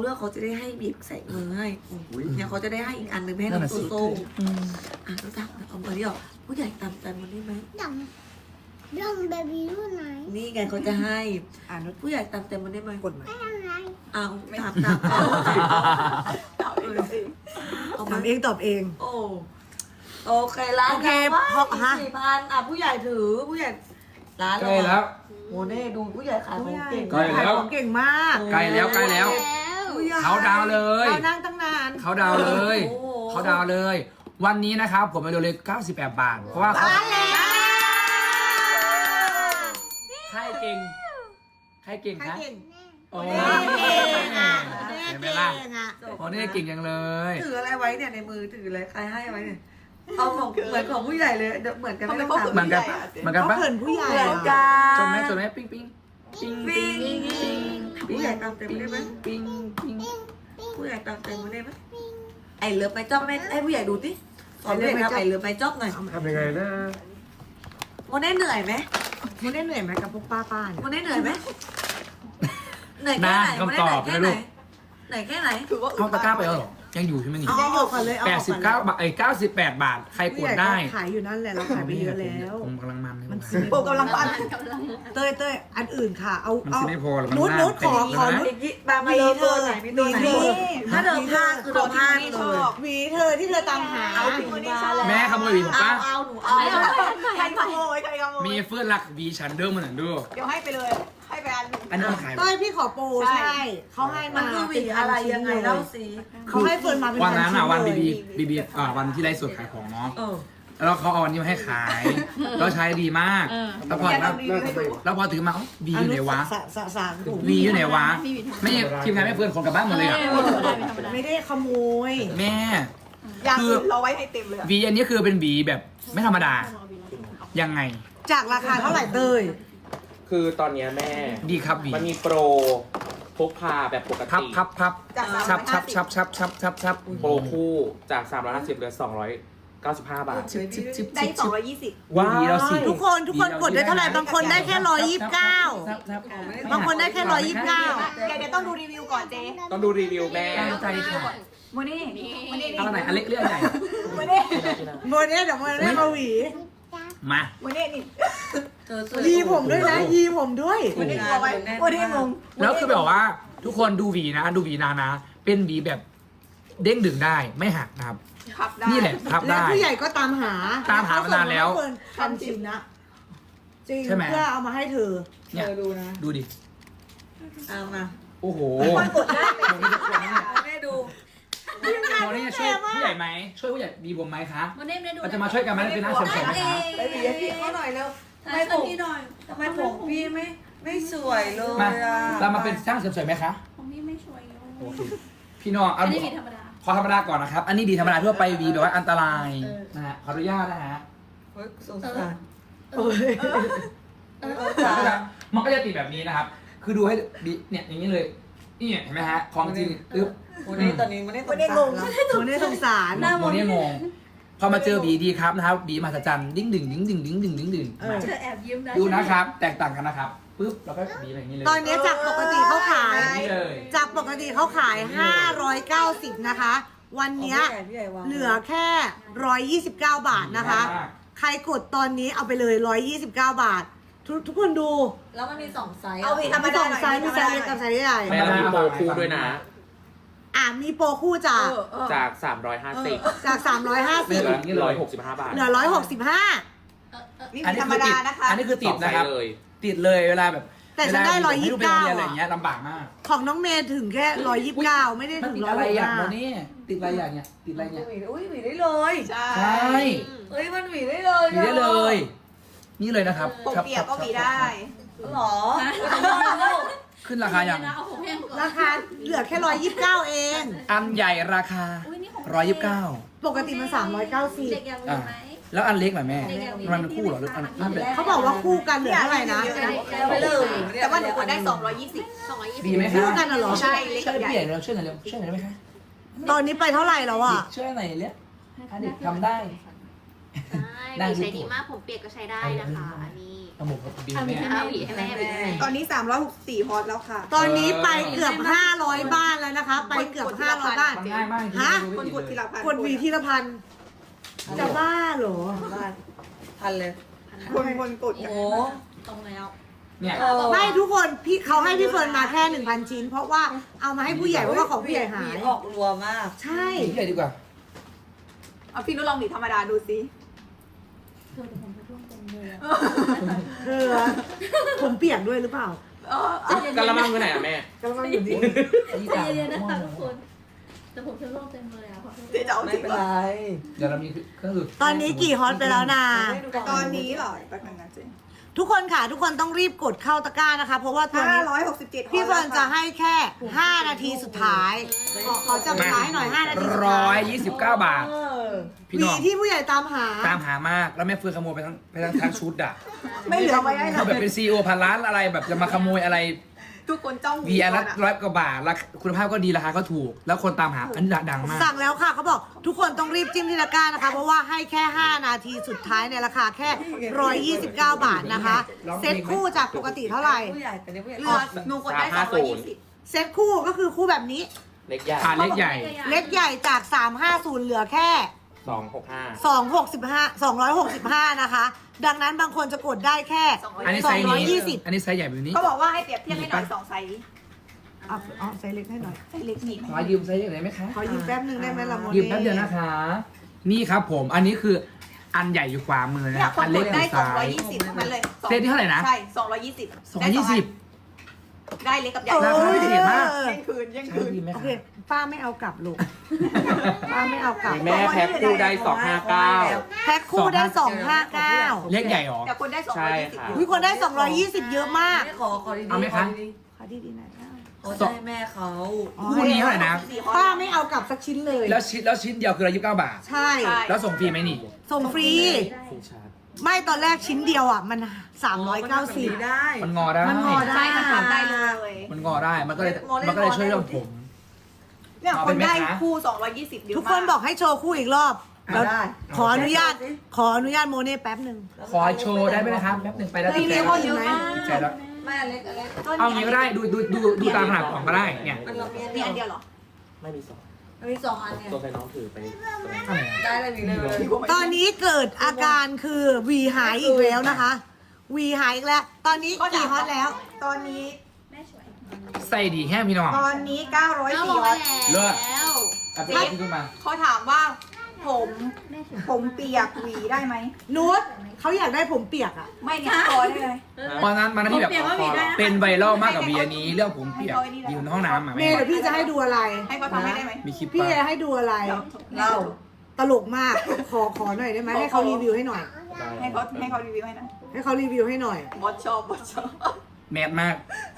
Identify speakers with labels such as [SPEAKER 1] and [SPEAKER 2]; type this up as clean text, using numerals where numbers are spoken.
[SPEAKER 1] เลือกเขาจะได้ให้บีบใส่มือให้เนี่ยเขาจะได้ให้อีกอันหนึ่งให้น้องโตโต้น้องตักเอาเบอร์นี้ออกผู้ใหญ่ตามใจมันได้ไหม
[SPEAKER 2] ดำเบบี้รุ่นไหน
[SPEAKER 1] นี่ไงเขาจะให้ผู้ใหญ่ตามใจมันได้ไหมกดไหม
[SPEAKER 2] ไม่ทำไร
[SPEAKER 1] เอาตามเอา
[SPEAKER 3] ทำเองตอบเอง
[SPEAKER 1] โอเคร้าน
[SPEAKER 3] โอเคเพราะฮะ
[SPEAKER 1] 4,000ผู้ใหญ่ถือผู้ใหญ่ร้าน
[SPEAKER 4] ใกล้แล้ว
[SPEAKER 1] โมเน่ดูผู้ใหญ่ขายของเก่ง
[SPEAKER 4] ใกล้แล้ว
[SPEAKER 3] ของเก่งมาก
[SPEAKER 4] ใกล้แล้วใกล้แล้ว เขาดาวเลย
[SPEAKER 3] เรานั่งตั้งนาน
[SPEAKER 4] เขาดาวเลย เขาดาวเลย วันนี้นะครับผมไปดูเลย98 บาท เพราะว่าเขาใครเก่งใครเก่งคะโอ้ยเห็นไหมล่ะโอ้นี่เก่งจังเลย
[SPEAKER 1] ถืออะไรไว้เนี่ยในมือถืออะไรใครให้ไว้เนี่ยเอาของเหมือนของผู้ใหญ่เลยเหมือนกันไม่ต้องตาม
[SPEAKER 4] เหมือนกันปะเหมือนกัน
[SPEAKER 3] เขา
[SPEAKER 4] ปะ
[SPEAKER 3] เขินผู้ใหญ่
[SPEAKER 1] เหมือน
[SPEAKER 3] อะ
[SPEAKER 1] กัน
[SPEAKER 4] จนไหมจนไหมปิ้งปิ้งปิ้งปิ้งปิ้ง
[SPEAKER 1] ผู้ใหญ่ตามเต็มได้ไหม
[SPEAKER 4] ปิ้งปิ้ง
[SPEAKER 1] ผู้ใหญ่ตามเต็มได้ไหมไอเลิฟไปจ๊อบให้ผู้ใหญ่ดูสิสอนเด็กทำไอเลิฟไปจ๊อบหน่อย
[SPEAKER 5] ทำยังไงนะ
[SPEAKER 1] โมเน่เหนื่อยไหม
[SPEAKER 3] โมเน่เหนื่อยไหมกับพวกป้าๆเนี่ย
[SPEAKER 1] โมเน่เหนื่อยไหมเหนื่อยแค่ไหนโมเน่เหนื่อยแค่ไหนเหนื่อยแค่ไหน
[SPEAKER 4] เอาตะกร้าไปแล้วเหรอยังอยู่ใช่ไหมนี่
[SPEAKER 3] เอาออกก่อนเลยเอาออกก่อนเลย
[SPEAKER 4] 89 บาท98 บาท ใครกดได้
[SPEAKER 3] ขายอยู่นั่นแหละเราขายไปเยอะแล้ว
[SPEAKER 4] ผมกำลังมันเลย
[SPEAKER 3] มัน
[SPEAKER 4] ว่ะ
[SPEAKER 3] ซื้อ
[SPEAKER 6] โปรกำลังปัน
[SPEAKER 3] เต้ยอันอื่นค่ะเอา
[SPEAKER 4] มัน
[SPEAKER 3] เอา
[SPEAKER 4] ซื้อไม่พอหรอกมัน
[SPEAKER 3] นุช
[SPEAKER 4] หน้า
[SPEAKER 3] นุชขอ
[SPEAKER 4] เตะ
[SPEAKER 3] ขอ
[SPEAKER 4] แล้วนะ
[SPEAKER 3] นุช
[SPEAKER 1] อีกบางมาเลยตัวไหนมีตัวไหนถ้าเดิมพลาดคือเดิมพลาดเลย
[SPEAKER 3] หวีเธอที่เธอตามหา
[SPEAKER 6] เอาถึงวันนี้ชอบ
[SPEAKER 4] แม่ขโมยหวีผมปะ
[SPEAKER 1] เอาหนูเอา
[SPEAKER 6] ใครขโมยใครขโมย
[SPEAKER 4] มีเฟื่องรักหวีฉันเดิมมันหน่อยดู
[SPEAKER 6] เดี๋ยวให้ไปเลยให้ไปอันหนึ่ง
[SPEAKER 4] อันนี้มันขาย
[SPEAKER 3] เต้ยพี่ขอโปรใช่เขาให้
[SPEAKER 1] มั
[SPEAKER 3] มาน
[SPEAKER 1] คือหวีอะไรยังไงเล่าสิ
[SPEAKER 3] เขาให้เฟิร์นมาเป็น
[SPEAKER 4] วันนั้นอ่ะ
[SPEAKER 3] ชิ้
[SPEAKER 4] วัน
[SPEAKER 3] เลย
[SPEAKER 4] บีวันที่ไลฟ์สดขายของเนาะ
[SPEAKER 1] เออ
[SPEAKER 4] แล้วเขาเอาอันนี้มาให้ขาย แล้วใช้ดีมาก แล้วพอแล้วพอถือมาวีอยู่ไหนวะ
[SPEAKER 3] สามถุง
[SPEAKER 4] วีอยู่ไหนวะ ไม่ทีมงานไม่เพื่อนคนกลับบ้านหมดเลยอ่ะ
[SPEAKER 3] ไม่ได้ขโมย
[SPEAKER 4] แม่
[SPEAKER 6] อย่างอื่นเราไว้ให้เต็มเลย
[SPEAKER 4] วีอันนี้คือเป็นวีแบบไม่ธรรมดา ยังไง
[SPEAKER 3] จากราคาเท่าไหร่เต้ย
[SPEAKER 5] คือตอนเนี้ยแม่
[SPEAKER 4] ดีครับวี
[SPEAKER 5] มันมีโปรพกพาแบบปก
[SPEAKER 4] พับ
[SPEAKER 5] ติ
[SPEAKER 4] พับชับ
[SPEAKER 5] โปรคู่จาก 350เหลือ295 บาท
[SPEAKER 4] ชิบ
[SPEAKER 6] ได้220
[SPEAKER 5] ว้า
[SPEAKER 4] วีเราสิ
[SPEAKER 3] ทุกคนกดได้เท่าไหร่บางคนได้แค่129บางคนได้แค่129
[SPEAKER 6] เดี๋ยวต้องดูรีวิวก่อนเจ๊
[SPEAKER 5] ต้องดูรีวิวแม่
[SPEAKER 4] ตั้งใจค่ะ
[SPEAKER 6] โมนี่โมนี่
[SPEAKER 4] เอาไหนอันเล็กเรื่องใหญ่
[SPEAKER 6] โมนี่
[SPEAKER 3] โมเนี้เดี๋ยวโมเนี้มาหวี
[SPEAKER 4] มา
[SPEAKER 6] โมนี่นี่
[SPEAKER 3] ยีผมด้วยนะยีผมด้วย
[SPEAKER 6] โมนี่กลัวไว้โมนี่งง
[SPEAKER 4] แล้วคือแบบว่าทุกคนดูหวีนะดูหวีนานะ เป็นหวีแบบเด้งดึงได้ไม่หักนะครับ
[SPEAKER 6] พับได้
[SPEAKER 4] นี่แหละพับ
[SPEAKER 3] และ
[SPEAKER 4] ได้
[SPEAKER 3] ผู้ใหญ่ก็ตามหา
[SPEAKER 4] ตามหามานานแล้ว
[SPEAKER 3] ทันชินนะจริง
[SPEAKER 4] ใช่ไหม
[SPEAKER 3] เพื่อเอามาให้เธอ
[SPEAKER 4] เนี่ยดูดิ
[SPEAKER 1] เอามา
[SPEAKER 4] โอ้โห
[SPEAKER 6] กดได้
[SPEAKER 1] เอาแม่ดู
[SPEAKER 4] โมนี่ช่วยผู้ใหญ่ไหมช่วยผู้ใหญ่บีผมไหมคะ
[SPEAKER 7] โมเน่ได้ดู
[SPEAKER 4] เราจะมาช่วยกันไหมเป็นหน้าเสริมๆไหมคะ
[SPEAKER 1] ไปหวีให้พี่เขาหน่อยเร็วทำไมผม
[SPEAKER 7] พี่หน่อย
[SPEAKER 1] ทำไมผมพี่ไม่สวยเลย
[SPEAKER 4] มา
[SPEAKER 1] อ่ะ
[SPEAKER 4] เรามาเป็นช่างเสริมๆไหมคะ
[SPEAKER 7] ของพี่ไม่ช่วย
[SPEAKER 4] โอเคพี่น้อง
[SPEAKER 7] อั
[SPEAKER 4] เอา
[SPEAKER 7] นนี้มีธรรมดา
[SPEAKER 4] ขอธรรมดาก่อนนะครับ อันนี้ดีธรรมดาทั่วไปวีแบบว่าอันตรายนะฮะขออนุญาตนะฮะ
[SPEAKER 1] เฮ้ยสงสาร
[SPEAKER 4] มันก็จะติดแบบนี้นะครับ คือดูให้ดีเนี่ยอย่างนี้เลยนี่เห็นไหมฮะของจริงอึ๊บ
[SPEAKER 1] วันนี้ตอนนี้มันได้ตรงกลางแล้ว
[SPEAKER 3] โมเนี้สงสาร
[SPEAKER 4] โมเนี่ยงงพอมาเจอบีดีครับนะครับบีมหัศจรรย์ดิ้งดึงมา
[SPEAKER 7] เธอแอบยิ้มนะ
[SPEAKER 4] ดูนะครับ แตกต่างกันนะครับปึ๊บแล้วก็บีแบบนี้เลย
[SPEAKER 3] ตอนนี้จากปกติเขาขาย
[SPEAKER 4] แบบนี้เลย
[SPEAKER 3] จากปกติเขาขาย 590 นะคะ วันเนี้ยเหลือแค่ 129 บาทนะคะ ใครกดตอนนี้เอาไปเลย 129 บาท ทุกคนดู
[SPEAKER 1] แล้วมันมี2ไซส์
[SPEAKER 6] เอาวีธรรม
[SPEAKER 3] มี
[SPEAKER 6] ดา
[SPEAKER 3] สองไซส์มีไซส์เล็กกับไซส์ใหญ่
[SPEAKER 5] แม่เรามีโปรคู่ด้วยนะ
[SPEAKER 3] มีโปรคู่จาก
[SPEAKER 5] จาก 350
[SPEAKER 3] จาก
[SPEAKER 5] เหลือ
[SPEAKER 3] 350
[SPEAKER 5] 165 บาท
[SPEAKER 3] เหลือ 165
[SPEAKER 6] นี่
[SPEAKER 4] อันนี้
[SPEAKER 6] ธรรม
[SPEAKER 4] คือติ
[SPEAKER 6] ดา
[SPEAKER 4] ด
[SPEAKER 6] นะคะ
[SPEAKER 4] อันนี้คือติด
[SPEAKER 5] สองไซ
[SPEAKER 4] นะครับ
[SPEAKER 5] ส์เลย
[SPEAKER 4] ติดเลยเวลาแบบ
[SPEAKER 3] แต่ฉันได้
[SPEAKER 4] เวลาให้ลูกไปโรงเรียน
[SPEAKER 3] 129
[SPEAKER 4] อะไรอย่างเงี้ยลำบากมาก
[SPEAKER 3] ของน้องเมย์ถึงแค่ 129 ไม่ได้
[SPEAKER 4] มัน
[SPEAKER 3] ถึง
[SPEAKER 4] ติดอะไรอย่างโม
[SPEAKER 3] 165
[SPEAKER 4] นี่ติดอะไรอย่างเนี้ยติดอะไรเนี่ย
[SPEAKER 1] อุ้ยหวีได้เลย
[SPEAKER 6] ใช่
[SPEAKER 4] ใช่
[SPEAKER 1] เฮ้ยมันหวีได้เลย
[SPEAKER 4] มีได้เลย นี่เลยนะครับ
[SPEAKER 6] ปกเปียกก็มีได้
[SPEAKER 1] หรอ
[SPEAKER 4] ขึ้นราคาอย่าง
[SPEAKER 7] เอาผมแห้งก่อน
[SPEAKER 3] ราคาเหลือแค่ 129 เอง
[SPEAKER 4] อันใหญ่ราคา
[SPEAKER 7] อุ้ยนี่ของ
[SPEAKER 4] 129
[SPEAKER 7] เด็ก
[SPEAKER 3] ปกติมัน
[SPEAKER 7] อยากมี
[SPEAKER 3] 390
[SPEAKER 7] ไหม
[SPEAKER 4] แล้วอันเล็กหน่อยแม่
[SPEAKER 7] เด็กอยากมี
[SPEAKER 4] มันคู่เหรอหรืออันนั่นเป็น
[SPEAKER 3] เขาบอกว่าคู่กันเหลือเท่าไหร่นะ
[SPEAKER 1] ไปเลย
[SPEAKER 6] แต่ว่าหนูกดได้220
[SPEAKER 4] ดีไหมคะ
[SPEAKER 3] คู่กันเหรอ
[SPEAKER 6] ใช่เล็ก
[SPEAKER 4] ช่วย
[SPEAKER 6] ใหญ่
[SPEAKER 4] พี่ใหญ่เร็วช่วยหน่อยเร็วช่วยหน่อยได้ไหมคะ
[SPEAKER 3] ตอนนี้ไปเท่าไหร่แล้วอ่ะ
[SPEAKER 4] ช่วยหน่อยเร็วเด็กทำได้
[SPEAKER 7] ใช่
[SPEAKER 4] ได้
[SPEAKER 8] ใช้
[SPEAKER 4] ทุ
[SPEAKER 8] ดี
[SPEAKER 4] ก
[SPEAKER 8] มากผมเปียกก็ใช้ได้นะคะอันนี้
[SPEAKER 4] เอาหมกกับบีม
[SPEAKER 8] เอา
[SPEAKER 4] เนี่ย
[SPEAKER 8] หวีให้แม่หวีให้แม่
[SPEAKER 6] ตอนนี้364ฮอตแล้วค่ะ
[SPEAKER 3] ตอนนี้ไปเกือบ500 บ้านแล้วนะคะ ไปเกือบ500 บ้าน
[SPEAKER 4] มันง่ายมาก
[SPEAKER 3] ฮะ
[SPEAKER 6] คนกดทีละพัน
[SPEAKER 3] กดหวีทีละพันจะบ้าเหรอ
[SPEAKER 1] บ้านทันเลย
[SPEAKER 6] คนกด
[SPEAKER 1] โอ้โหตรงแล้ว
[SPEAKER 4] เนี่ย
[SPEAKER 3] ไม่ทุกคนพี่เขาให้พี่เฟิร์นมาแค่ 1,000 ชิ้น เพราะว่าเอามาให้ผู้ใหญ่เพราะว่าของผู้ใหญ่หาย
[SPEAKER 1] ออกรัวมาก
[SPEAKER 3] ใช่
[SPEAKER 4] ใหญ่ดีกว่า
[SPEAKER 6] เอาพี่นุชลองหวีธรรมดาดูสิ
[SPEAKER 7] เธอแต่ผมจะร่วงเต็มเลยอะ
[SPEAKER 3] เออผมเปียกด้วยหรือเปล่า
[SPEAKER 5] กะละมังไปไหนอ่ะแม่
[SPEAKER 3] กำลังอยู่ดี
[SPEAKER 7] ใจเย็นๆนะคะทุกคน แต่ผมจะร่วงเต็มเลยอะขอโทษ
[SPEAKER 6] เดี๋ยวจะเอา
[SPEAKER 1] ไม่
[SPEAKER 6] จริง
[SPEAKER 1] เป็น
[SPEAKER 6] เหร
[SPEAKER 1] ไร
[SPEAKER 6] อ
[SPEAKER 4] เดี๋ยวเรามีก็คือ
[SPEAKER 3] ตอนนี้กี่ฮอตไปแล้วนะ
[SPEAKER 6] ตอนนี้เหรอแป๊บนึงนะเจ๊
[SPEAKER 3] ทุกคนค่ะ ทุกคนต้องรีบกดเข้าตะกร้านะคะ เพราะว่าตัวนี้
[SPEAKER 6] 567
[SPEAKER 3] พี่เฟิร์นจะให้แค่ 5 นาทีสุดท้ายขอจับเวลาให้หน่อย 5 นาทีสุดท้าย
[SPEAKER 4] 129 บาท พี่
[SPEAKER 3] หวี
[SPEAKER 4] น้อง
[SPEAKER 3] ที่ผู้ใหญ่ตามหา
[SPEAKER 4] ตามหามากแล้วแม่เฟื่องขโมยไปทั้งชุดอ่ะ
[SPEAKER 6] ไม่เหลือไว้ให้
[SPEAKER 4] เขาแบบเป็นซีอีโอพันล้านอะไรแบบจะมาขโมยอะไร
[SPEAKER 6] ทุกคนจ้อง
[SPEAKER 4] วีอาร์ละ100 กว่าบาทแล้วคุณภาพก็ดีราคาก็ถูก แล้วคนตามหาอันนี้ดังมาก
[SPEAKER 3] สั่งแล้วค่ะเขาบอกทุกคนต้องรีบจิ้มที่ตะกร้านะคะ เพราะว่าให้แค่ 5 นาทีสุดท้ายในราคาแค่ 129 บาทนะคะ เซ็ตคู่จากปกติเท่าไหร่
[SPEAKER 1] ผู้ใหญ่แต่เนี่ยผู้ใหญ่
[SPEAKER 6] เหลือหนูกดได้ 220
[SPEAKER 3] เซ็ตคู่ก็คือคู่แบบนี้
[SPEAKER 5] เล็กใหญ่
[SPEAKER 4] ขาเล็กใหญ่
[SPEAKER 3] เล็กใหญ่จาก 350 เหลือแค่
[SPEAKER 5] 265
[SPEAKER 3] 265 นะคะ ดังนั้นบางคนจะกดได้แค่
[SPEAKER 4] อันนี้ไซส์นี้
[SPEAKER 3] 220
[SPEAKER 4] อันนี้ไซส์ใหญ่แบบนี้
[SPEAKER 6] เขาบอกว่าให้เปรียบเทียบให้หน่อย2ไซส์
[SPEAKER 3] เอาไซส์เล็กให้หน่อย
[SPEAKER 6] ไซส์เล็กนี่
[SPEAKER 4] ขอยืมไซส์ใหญ่หน่อยไหมคะ
[SPEAKER 3] ขอยืมแป๊บนึงได้ไหมล่ะโม
[SPEAKER 4] ยืมแป๊บเดียวนะคะ นี่ครับผม อันนี้คืออันใหญ่อยู่ขวามือนะ
[SPEAKER 6] เนี่ย
[SPEAKER 4] ครับ
[SPEAKER 6] คน
[SPEAKER 4] อัน
[SPEAKER 6] ก
[SPEAKER 4] เล็ก
[SPEAKER 6] ด
[SPEAKER 4] อ
[SPEAKER 6] ได้
[SPEAKER 4] ยู่ซ้าย
[SPEAKER 6] 220ทั้งนั้นเลย
[SPEAKER 4] เซตที่เท่าไหร่นะ
[SPEAKER 6] ใช่220
[SPEAKER 4] 220
[SPEAKER 6] ได้เล็กกับใหญ่
[SPEAKER 4] ราคาพิเศษมาก
[SPEAKER 6] เที่ยงคืนเที่ยง
[SPEAKER 4] ใช้
[SPEAKER 6] คืน
[SPEAKER 4] ดีไหม
[SPEAKER 3] โอ
[SPEAKER 4] คะ
[SPEAKER 3] เค ป้าไม่เอากลับลูก ป้าไม่เอากลับ
[SPEAKER 5] แม่แพ็คคู่ได้
[SPEAKER 3] แพ็คคู่ได้ 259
[SPEAKER 4] เล็กใหญ่หรอ
[SPEAKER 6] แต่คนได้
[SPEAKER 5] ใช่ค่ะ
[SPEAKER 6] 220
[SPEAKER 3] วิคนได้ 220 เยอะมาก
[SPEAKER 1] ไม่ขอดีๆ
[SPEAKER 4] เอาไหมคะ
[SPEAKER 3] ขอดีๆหน่อยนะ
[SPEAKER 1] ขอจะให้แม่เขา
[SPEAKER 4] คู่นี้เท่าไหร่นะ
[SPEAKER 3] ป้าไม่เอากลับสักชิ้นเลย
[SPEAKER 4] แล้วชิ้นเดียวคือ129 บาท
[SPEAKER 3] ใช่
[SPEAKER 4] แล้วส่งฟรีไหมนี่
[SPEAKER 3] ส่งฟรี
[SPEAKER 5] ฟูชาร์จ
[SPEAKER 3] ไม่ตอนแรกชิ้นเดียวอ่ะ มัน 390
[SPEAKER 1] ได้
[SPEAKER 4] มันงอได้
[SPEAKER 3] มันงอได้
[SPEAKER 6] ใช่มันทำได้เลย
[SPEAKER 4] มันงอได้ มันก็เลยช่วยเรื่องผม
[SPEAKER 6] เนี่ยคนได้คู่220เยอะมาก
[SPEAKER 3] ทุกคนบอกให้โชว์คู่อีกรอบแล้ว
[SPEAKER 1] ได้
[SPEAKER 3] ขออนุญาตโมเน่แป๊บหนึ่ง
[SPEAKER 4] ขอโชว์ได้ไหมนะครับแป๊บหนึ่งไปแล้ว
[SPEAKER 3] ทีนี้เขาเยอะมาก
[SPEAKER 4] ใจแล้ว
[SPEAKER 1] แม่เล็กอะไร
[SPEAKER 4] เอางี้ก็ได้ดูตามขนาดกล่องก็ได้เนี่ย
[SPEAKER 1] มันเรามี
[SPEAKER 6] มีอันเดียวเหรอ
[SPEAKER 5] ไม่มีสอง
[SPEAKER 1] มันมี2 อันเนี่ย
[SPEAKER 5] ตัวใส่น้องถือไปตัวไหน
[SPEAKER 4] เท่าไหร่อะ
[SPEAKER 1] ได้เลยมีเลย
[SPEAKER 3] ตอนนี้เกิดอาการคือวีหายอีกแล้วนะคะ วีหายอีกแล้ว ตอนนี้กี่ฮอตแล้ว
[SPEAKER 6] ตอนนี้
[SPEAKER 7] แม่ช่วย
[SPEAKER 4] ใส่ดีแค่พี่น้อง
[SPEAKER 6] ตอนนี้904ฮอต
[SPEAKER 4] เลิศ
[SPEAKER 8] แล้ว
[SPEAKER 4] เอาไปขึ้นมา
[SPEAKER 6] เขาถามว่าผมเปียกหวีได้ไหม
[SPEAKER 3] นุชเขาอยากได้ผมเปียกอ่ะ
[SPEAKER 6] ไม่เนี่ยพอได้เลย
[SPEAKER 4] วันนั้นที่แบบเป็นไวรัลมากกับเบียร์นี้เรื่องผมเปียกอยู่ในห้องน้ำอ่ะ
[SPEAKER 3] เมย์เดี๋ยวพี่จะให้ดูอะไร
[SPEAKER 6] ให้เขาทำให้ได้ไหม
[SPEAKER 4] มีคลิป
[SPEAKER 3] พี่
[SPEAKER 4] ป่ะ
[SPEAKER 3] จะให้ดูอะไร
[SPEAKER 1] เรา
[SPEAKER 3] ตลกมาก ขอหน่อยได้ไหมให้เขารีวิวให้หน่อย
[SPEAKER 6] ให้เขารีวิวให้นะ
[SPEAKER 3] ให้เขารีวิวให้หน่อย
[SPEAKER 6] บอสชอบ
[SPEAKER 4] แมสมาก